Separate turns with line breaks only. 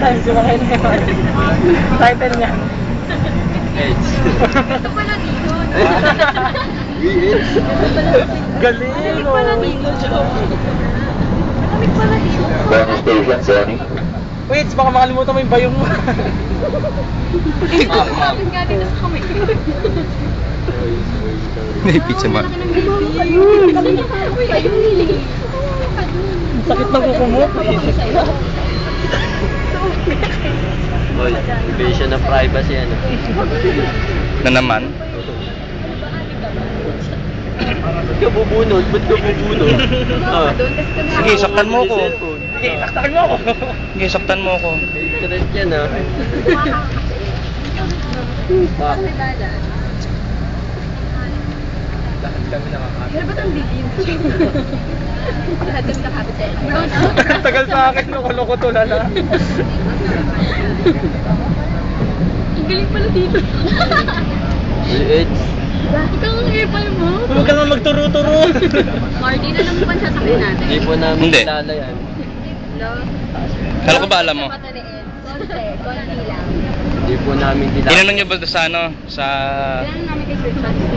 times yung mga yun. Title niya.
Edge.
Ito pala dito.
Galing,
Malamig pala dito. Malamig pala dito.
Bonus station, Sony.
Wait, baka makalimutan mo yung bayong mo.
Malamig nga dito sa kamay.
May pizza ma.
Sakit na kuko mo.
Boy, invasion of privacy ano.
Na naman.
Ba't ka bubunod? Ba't ka bubunod? Ah.
Sige, saktan mo ko.
Sige, taktakan mo ako.
Sige, saktan mo ko.
Internet yan ah.
Pero ba't ang dilim? Lahat kami nakapit sa brown
Tagal sa akin, loko-loko to lala.
Ang galing pala dito.
Edge.
Ikaw ang ipal mo.
Huwag ka naman magturo-turo.
Marty, na lang pa sasakyan natin.
Hindi po namin
Hindi.
kilala yan.
No?
Kala ko ba alam mo?
Konti lang.
Hindi po namin kilala.
Tinanong niyo ba sa ano? Sa...
Kailangan namin kay Sir Chance.